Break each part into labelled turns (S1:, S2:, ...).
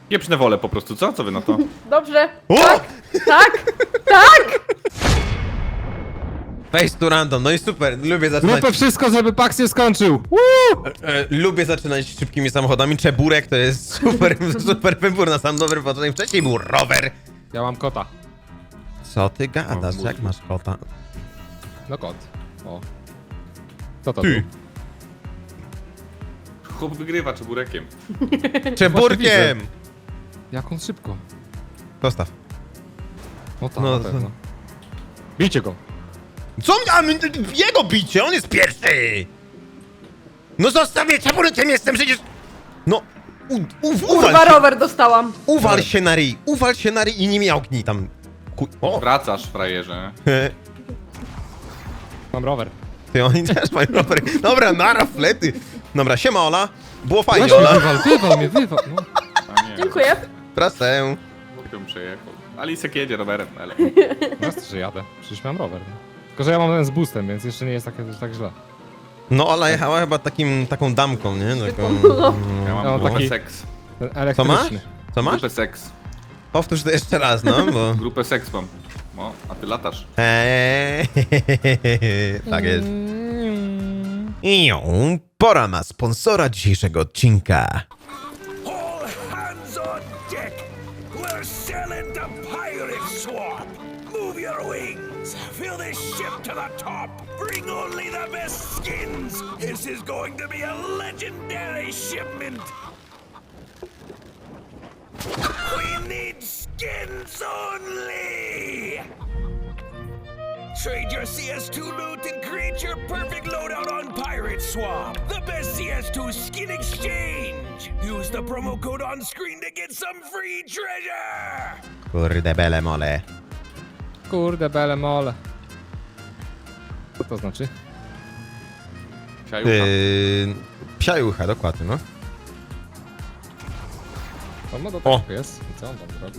S1: Pieprzne wolę po prostu, co? Co wy na to?
S2: Dobrze.
S3: O!
S2: Tak, tak, tak!
S3: Face to random, no i super, lubię zaczynać.
S4: Zróbmy wszystko, żeby Pax się skończył.
S3: Lubię zaczynać szybkimi samochodami. Czeburek to jest super, super wybór na sam dobry początek. Wcześniej był rower.
S4: Ja mam kota.
S3: Co ty gadasz? Jak masz kota?
S4: No kot. O. Co to
S3: Ty.
S4: był?
S1: Chłop wygrywa czeburekiem.
S3: Czeburkiem!
S4: Jak on szybko.
S3: Zostaw.
S4: No tak,
S3: No,
S4: na pewno. Bijcie go.
S3: Co? A jego bicie, on jest pierwszy! No zostawię, czeburkiem jestem przecież... No,
S2: Kurwa, rower dostałam.
S3: uwal się na ryj, uwal się na ryj i nie miałknij tam. O,
S1: Wracasz, frajerze.
S4: Mam rower.
S3: ty, oni też mają rowery. Dobra, nara, flety. Dobra, siema Ola. Było fajnie,
S4: Właśnie,
S3: Ola.
S4: wywal mnie, wywal. No.
S1: A nie,
S2: Dziękuję.
S3: Trasę.
S1: chłopiem przejechał. Alisek jedzie rowerem, ale...
S4: Jasne, że jadę. Przecież mam rower. No. Tylko, że ja mam ten z boostem, więc jeszcze nie jest tak źle.
S3: No Ola jechała chyba taką damką, nie? Taką...
S1: Ja mam
S4: No,
S1: grupę
S4: taki-
S1: seks.
S4: Ten
S3: Co masz?
S4: elektryczny.
S3: Co masz?
S1: Grupę seks.
S3: Powtórz to jeszcze raz, no, bo...
S1: Grupę seks mam. No, a ty latasz.
S3: Tak jest. I pora na sponsora dzisiejszego odcinka.
S5: All hands on deck! We're sailing to Pirate Swamp! Move your wings! Fill this ship to the top! Bring only the best skins! This is going to be a legendary shipment! We need skins only! Trade your CS2 loot and create your perfect loadout on Pirate Swamp. The best CS2 skin exchange. Use the promo code on screen to get some free treasure.
S3: Kurde bele mole.
S4: Kurde, bele mole. Co to znaczy?
S1: Siajucha.
S3: Psiajucha, dokładnie, no.
S4: On ma do
S3: O.
S4: tego jest. I co on tam zrobił?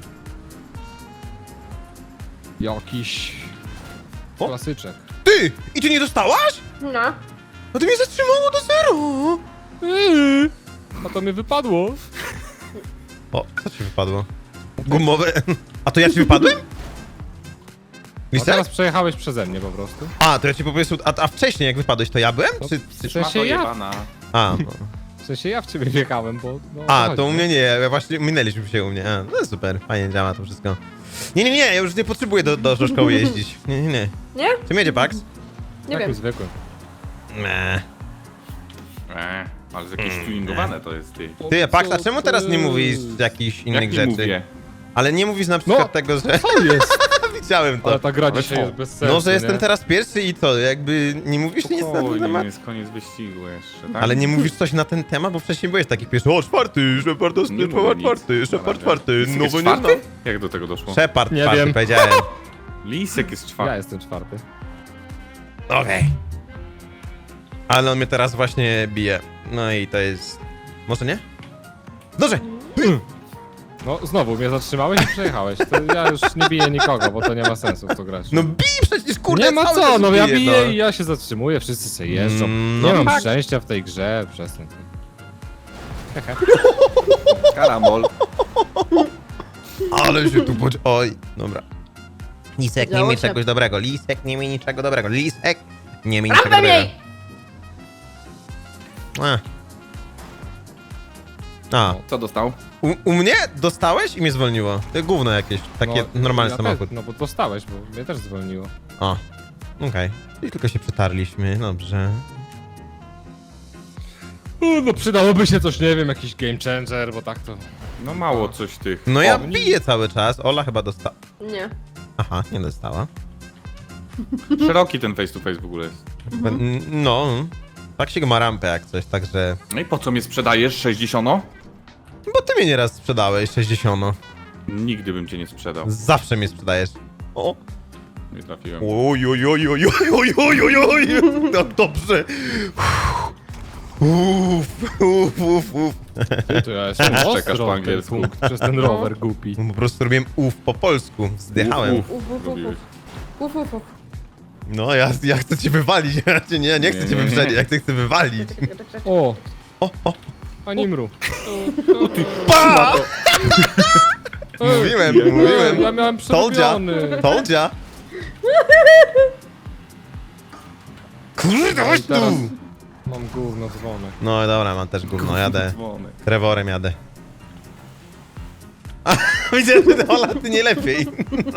S4: Jakiś...
S3: O.
S4: Klasyczek.
S3: Ty! I ty nie dostałaś?
S2: No.
S3: No to mnie zatrzymało do zero!
S4: A to mi wypadło.
S3: O, co ci wypadło? Gumowe. A to ja ci wypadłem?
S4: A
S3: Lisek?
S4: teraz przejechałeś przeze mnie po prostu.
S3: A, to ja ci po prostu... A wcześniej jak wypadłeś, to ja byłem?
S4: No,
S3: Czy...
S4: w
S1: Szmato
S4: sensie ja...
S1: jebana.
S3: A, no.
S4: W sensie ja w ciebie wjechałem, bo... No,
S3: A,
S4: chodzi,
S3: to u
S4: nie?
S3: mnie nie, ja właśnie minęliśmy się u mnie. A, no super, fajnie działa to wszystko. Nie, ja już nie potrzebuję do szkoły jeździć. Nie.
S2: Nie?
S3: Czym jedzie Pax?
S2: Nie
S4: Takim
S2: wiem.
S4: zwykłym.
S3: Nie.
S1: Ale jest jakieś tuningowane to jest, ty.
S3: Ty, Pax, a czemu teraz nie mówisz jakichś innych
S1: Jak nie
S3: rzeczy?
S1: mówię?
S3: Ale nie mówisz na przykład
S4: No,
S3: tego, że...
S4: Co jest?
S3: Widziałem to.
S4: Ale ta gra
S1: Ale
S4: dzisiaj
S1: co?
S4: jest bez sensu,
S3: No, że jestem
S4: nie?
S3: teraz pierwszy i co, jakby nie mówisz nic na ten
S1: Spokojnie,
S3: temat?
S1: jest koniec wyścigu jeszcze, tak?
S3: Ale nie mówisz coś na ten temat, bo wcześniej byłeś taki pierwszy. O, czwarty, Shepard,
S1: Nie mówię nic.
S3: Shepard
S1: Na
S3: czwarty,
S1: razie.
S3: no
S1: Jest
S3: bo nie znam.
S1: czwarty? Jak do tego doszło?
S3: Shepard
S4: Nie
S3: czwarty,
S4: wiem.
S3: powiedziałem.
S1: Lisek jest
S4: Ja
S1: czwarty.
S4: jestem czwarty.
S3: Okej. Ale on mnie teraz właśnie bije. No i to jest... Może nie? Dobrze!
S4: No, znowu mnie zatrzymałeś i przejechałeś. To ja już nie biję nikogo, bo to nie ma sensu w to grać.
S3: No bij przecież, kurde,
S4: nie ma
S3: cały
S4: co,
S3: czas
S4: no ja
S3: bije,
S4: biję
S3: no.
S4: i ja się zatrzymuję, wszyscy sobie jeżdżą.
S3: No
S4: nie mam
S3: tak.
S4: szczęścia w tej grze, przestań.
S1: Karambol.
S3: Ale się tu Oj, dobra. Lisek nie
S2: Działo
S3: mi
S2: się.
S3: czegoś dobrego, Lisek nie mi niczego dobrego, Lisek nie mi niczego
S2: Prawda
S3: dobrego.
S2: jej!
S3: A,
S1: Co dostał?
S3: u mnie dostałeś i mnie zwolniło. To gówno jakieś, takie normalny
S4: ja
S3: samochód.
S4: Też, no bo dostałeś, bo mnie też zwolniło.
S3: O, okej. I tylko się przetarliśmy, dobrze.
S4: No przydałoby się coś, nie wiem, jakiś game changer, bo tak to...
S1: No mało coś tych.
S3: No ja
S4: O, nie-
S3: biję cały czas, Ola chyba dostała.
S2: Nie.
S3: Aha, nie dostała.
S1: Szeroki ten face to face w ogóle jest.
S3: No, tak się go ma rampę jak coś, także...
S1: No i po co mnie sprzedajesz? 60?
S3: Bo ty mnie nieraz sprzedałeś, 60.
S1: Nigdy bym cię nie sprzedał.
S3: Zawsze mnie sprzedajesz. O!
S1: Nie trafiłem.
S3: Oj, oj, oj, oj, oj, oj, oj, oj. No dobrze. Uff.
S4: To ja jestem
S1: Czekasz
S4: ostro
S1: po
S4: w ten
S1: angielsku.
S4: punkt przez ten rower głupi.
S3: Po prostu robiłem po polsku, zdychałem.
S1: Uf,
S2: Uf, uf, uf,
S1: robiłeś.
S2: Uf, uf, uf.
S3: No ja chcę cię wywalić, ja nie chcę cię
S1: Nie.
S3: wyprzedzić, ja chcę wywalić.
S4: O,
S3: O,
S4: Ani mru.
S3: Pa!
S4: Ej,
S3: Mówiłem.
S4: Ja miałem przerobiony.
S3: Told ya. Kurde, chodź tu!
S4: Teraz mam gówno dzwonek.
S3: No dobra, mam też gówno, jadę.
S1: Dzwony.
S3: Trevorem jadę. A, widzę, że Ola, ty nie lepiej.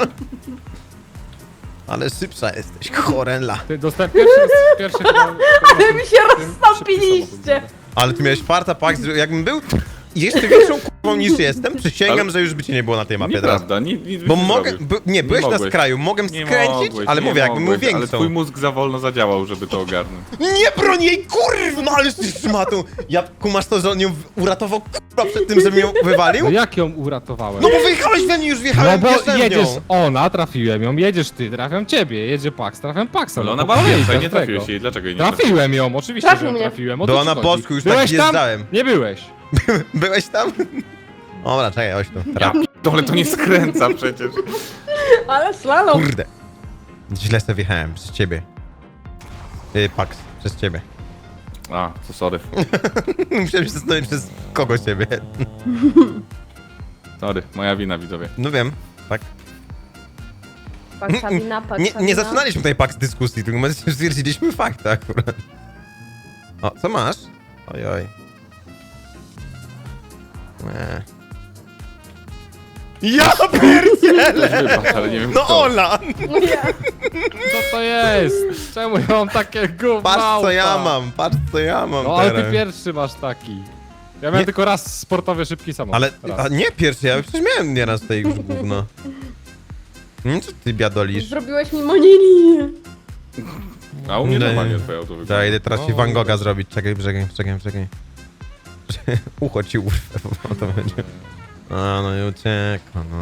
S3: Ale szybsza jesteś, chorela.
S4: Ty dostałem pierwszy chyba...
S2: Ale mi się rozstąpiliście.
S3: Ale ty miałeś farta, Pax, że jakbym był jeszcze większą kurwą niż jestem, przysięgam,
S1: Ale-
S3: że już by cię nie było na tej mapie teraz.
S1: Nieprawda, nic
S3: Bo
S1: byś nie
S3: mogę,
S1: zrobił.
S3: nie, byłeś na
S1: mogłeś.
S3: skraju, mogłem
S1: Nie
S3: skręcić,
S1: mogłeś,
S3: ale
S1: nie
S3: mówię, jakbym był
S1: mogłeś, Ale
S3: większą.
S1: twój mózg za wolno zadziałał, żeby to ogarnąć.
S3: Nie broń jej, kurwa, no ale ty szmatą. Ja kumasz to, że on ją uratował, kurwa, przed tym, żeby ją wywalił?
S4: No jak ją uratowałem?
S3: No bo wyjechałeś we mnie, już
S4: No
S3: wjechałem,
S4: bo
S3: wjeżdżałem w
S4: jedziesz
S3: nią.
S4: ona, trafiłem ją, jedziesz ty, trafiam ciebie, jedzie Pax, trafiam Paxa.
S1: Ale
S4: no
S1: ona
S4: to
S1: była
S4: jest
S1: więcej, nie
S4: tego.
S1: trafiłeś jej. Dlaczego jej nie trafiłeś?
S4: Trafiłem ją, oczywiście,
S2: Trafił
S4: że ją
S2: mnie.
S4: trafiłem. O
S3: Była
S4: co ci
S3: na
S4: chodzi?
S3: boczku, już tak
S4: Byłeś tam?
S3: wjeżdżałem.
S4: Nie byłeś.
S3: Byłeś tam? Dobra, czekaj, chodź tu.
S1: Ja p***dolę, to nie skręca przecież.
S2: Ale slalom.
S3: Kurde. Źle sobie wjechałem, przez ciebie. Pax, przez ciebie.
S1: A, to sorry.
S3: Musiałem się zastanowić, przez kogo ciebie.
S1: Sorry, moja wina, widzowie.
S3: No wiem, tak.
S2: Paksawina,
S3: Nie zaczynaliśmy tutaj Pax dyskusji, tylko my stwierdziliśmy fakty akurat. O, co masz? Ojoj. Ja pierdzielę!
S1: Też wybacz, ale nie wiem
S3: No
S1: kto.
S3: Ola!
S4: Co to jest? Czemu ja mam takie gówno?
S3: Patrz co ja mam, patrz co ja mam
S4: No ale
S3: teraz.
S4: ty pierwszy masz taki. Ja miałem
S3: Nie.
S4: tylko raz sportowy, szybki samochód.
S3: Ale,
S4: Raz.
S3: a nie pierwszy, ja przecież miałem nieraz tutaj już gówno. Co ty biadolisz?
S2: Zrobiłeś mi monili.
S1: A u mnie
S3: Nie.
S1: normalnie twoje auto wygląda.
S3: Ja idę teraz ci
S4: No,
S3: Van Gogha
S4: dobrze.
S3: zrobić, czekaj. Ucho ci urwę, bo to będzie. A, no i uciekło, no.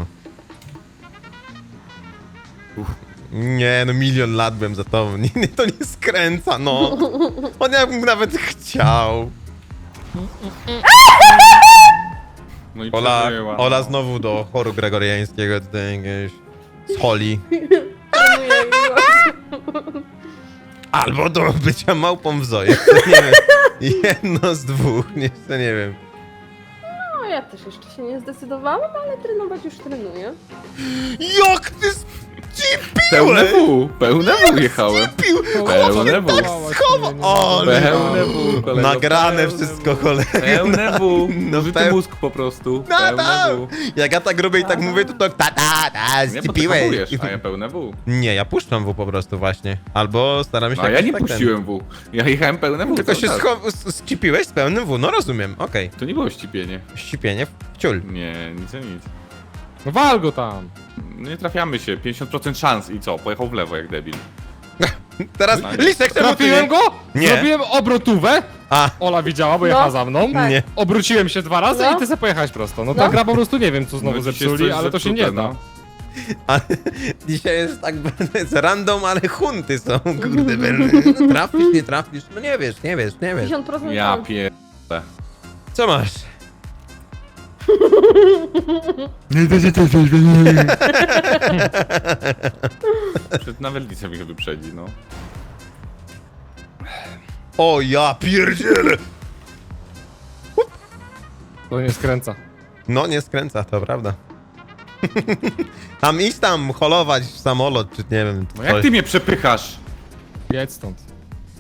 S3: Nie, no milion lat byłem za tobą. Nie, to nie skręca, no. On jakbym nawet chciał.
S1: No i
S3: Ola,
S1: przeżyła,
S3: Ola
S1: no.
S3: znowu do choru gregoriańskiego, tutaj jakiegoś z Holi. Albo do bycia małpą w Zoe. Nie wiem. Jedno z dwóch, jeszcze nie wiem.
S2: No ja też jeszcze się nie zdecydowałam, ale trenować już trenuję.
S3: Jak ty
S1: Pełne
S3: spiłeś?
S1: pełne W jechałem.
S3: Pił!
S1: Pełne W.
S3: Schowa! O,
S1: Pełne W, kolego.
S3: nagrane
S1: pełne
S3: wszystko,
S1: W.
S3: cholera.
S1: Pełne W.
S3: No
S1: Użyty
S3: peł-
S1: mózg po prostu.
S3: No
S1: Pełne
S3: tak.
S1: W.
S3: Jak ja tak robię i tak mówię, to
S1: Nie, bo ty
S3: skipiłeś.
S1: hamujesz, a ja pełne W.
S3: Nie, ja puszczam W po prostu właśnie. Albo staram się
S1: No, a ja
S3: jakoś
S1: nie
S3: tak ten-
S1: puściłem W. Ja jechałem pełne W.
S3: Tylko
S1: cały
S3: się
S1: czas.
S3: skipiłeś z pełnym W, no rozumiem, okej.
S1: To nie było ścipienie.
S3: Ścipienie w ciul.
S1: Nie, nic a nic.
S4: No wal go tam.
S1: No nie trafiamy się, 50% szans i co? Pojechał w lewo jak debil.
S3: Teraz
S1: No.
S3: Lisek, czemu ty
S4: Trafiłem
S3: nie?
S4: go?
S3: Nie.
S4: Zrobiłem obrotówę.
S3: A,
S4: Ola widziała, bo
S2: No.
S4: jechała za mną.
S2: Tak.
S3: nie.
S4: Obróciłem się 2 razy
S2: No.
S4: i ty sobie pojechałeś prosto. No
S2: No.
S4: ta gra po prostu nie wiem, co znowu
S1: No, dziś jest
S4: zepsuli,
S1: coś
S4: ale to się nie
S1: zepsute,
S4: da.
S1: no.
S3: A, dzisiaj jest tak jest random, ale hunty są, kurde, trafisz, nie trafisz, no nie wiesz.
S2: 50%
S1: Ja
S2: szans.
S1: pierdolę.
S3: Co masz?
S1: Przed nawet Lisa mnie wyprzedzi, no.
S3: O ja pierdzielę!
S4: To nie skręca.
S3: No nie skręca, to prawda. Tam iść tam, holować w samolot, czy nie wiem,
S1: No jak ty mnie przepychasz?
S4: Jedź stąd.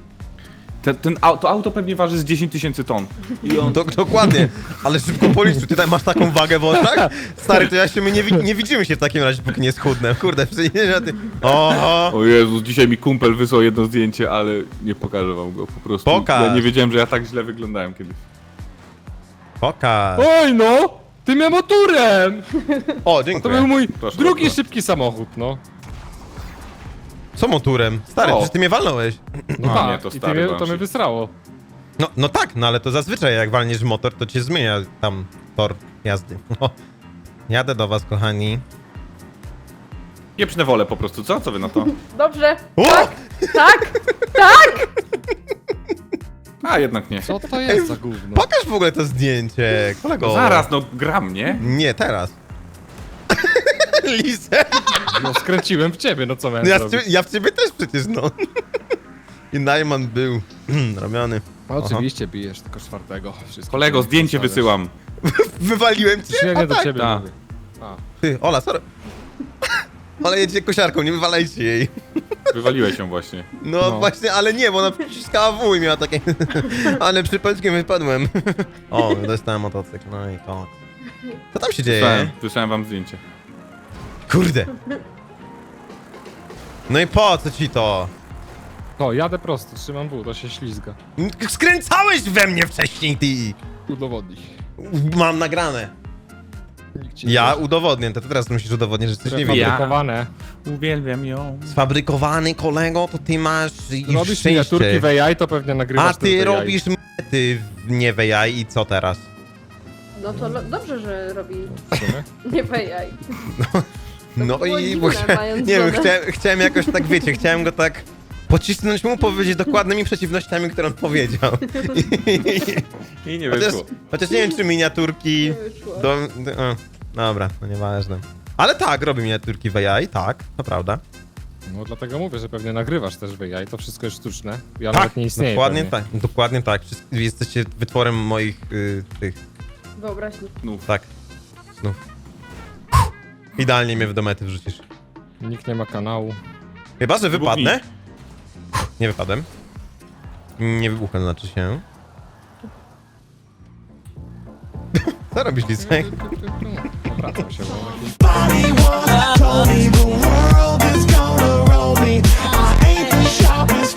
S1: To auto pewnie waży z 10 000 ton. I on...
S3: Dokładnie, ale szybko policz, ty tutaj masz taką wagę w oczach? Stary, to ja się, my nie widzimy się w takim razie, póki nie schudnę. Kurde, przecież ja ty... Oho!
S1: O Jezus, dzisiaj mi kumpel wysłał jedno zdjęcie, ale nie pokażę wam go po prostu.
S3: Pokaż.
S1: Ja nie wiedziałem, że ja tak źle wyglądałem kiedyś.
S3: Pokaż.
S4: Oj no! Tym motorem!
S3: O,
S4: To
S3: dziękuję.
S4: był mój
S1: Proszę
S4: drugi
S1: bardzo.
S4: szybki samochód, no.
S3: Co motorem? Stary,
S1: O.
S3: przecież ty mnie walnąłeś.
S4: No
S1: A,
S4: tak,
S1: nie, to
S4: i ty
S1: stary
S4: mnie, to
S1: Banshee.
S4: mnie wysrało.
S3: No tak, no ale to zazwyczaj jak walniesz w motor, to cię zmienia tam tor jazdy. No. Jadę do was, kochani.
S1: Pieprzne wolę po prostu, co? Co wy na to?
S2: Dobrze.
S3: O!
S2: Tak, tak.
S1: A, jednak nie.
S4: Co to jest za gówno?
S3: Pokaż w ogóle to zdjęcie, kolego.
S1: Zaraz, no gram, nie?
S3: Nie, teraz. Lisę.
S4: No skręciłem w ciebie, no co miałem
S3: Ja
S4: zrobić?
S3: ja w ciebie też przecież, no. I Najman był robiony.
S4: Oczywiście bijesz tylko czwartego. Wszystko
S1: Kolego, zdjęcie
S4: stawiasz.
S1: wysyłam.
S3: Wywaliłem cię?
S4: Nie,
S3: O,
S4: nie do
S3: tak.
S4: ciebie
S1: Tak.
S4: mówię. A,
S3: Ty, Ola, sorry. Ola jedzie kosiarką, nie wywalajcie jej.
S1: Wywaliłeś ją właśnie.
S3: No, właśnie, ale nie, bo ona przyciskała W i miała takie... ale przypadkiem wypadłem. O, dostałem motocykl, no i to. Co tam się dzieje?
S1: Wysłałem wam zdjęcie.
S3: Kurde. No i po co ci to?
S4: to jadę prosto, trzymam W, to się ślizga.
S3: Skręcałeś we mnie wcześniej, ty!
S4: Udowodnij.
S3: Mam nagrane.
S4: Nikt ci nie
S3: Ja
S4: wierzy.
S3: udowodnię, to ty teraz musisz udowodnić, że coś nie widzisz.
S1: Ja.
S4: Fabrykowane.
S1: Uwielbiam ją.
S3: Sfabrykowany kolego, to ty masz już
S4: Robisz miniaturki w
S3: szczęście.
S4: AI, to pewnie nagrywasz
S3: A
S4: też
S3: ty
S4: w AI.
S3: robisz ty nie w AI i co teraz?
S2: No to dobrze, że robi
S4: W sumie.
S2: nie w AI.
S3: No
S2: było
S3: i
S2: dziwne,
S3: bo
S2: mając
S3: nie wiem,
S2: żonę.
S3: chciałem jakoś tak, wiecie, chciałem go tak pocisnąć mu, powiedzieć dokładnymi przeciwnościami, które on powiedział.
S1: I nie
S3: Chociaż,
S1: wyszło.
S3: chociaż nie wiem, czy miniaturki
S2: Nie wyszło.
S3: dobra, no nieważne. Ale tak, robi miniaturki w AI, tak, to prawda.
S4: No dlatego mówię, że pewnie nagrywasz też w AI, to wszystko jest sztuczne. Ja
S3: Tak,
S4: nawet nie istnieje.
S3: dokładnie
S4: pewnie.
S3: tak, dokładnie tak. Jesteście wytworem moich, tych,
S2: Wyobraźni.
S3: tak, snów. Idealnie mnie w domety wrzucisz.
S4: Nikt nie ma kanału.
S3: Chyba, że
S1: Wybuchnij.
S3: wypadnę. Nie wypadłem. Nie wybuchem, znaczy się. Co robisz, Lisek?
S4: Wracam się, bo taki...
S6: Body once told me the world is gonna roll me. I ain't the sharpest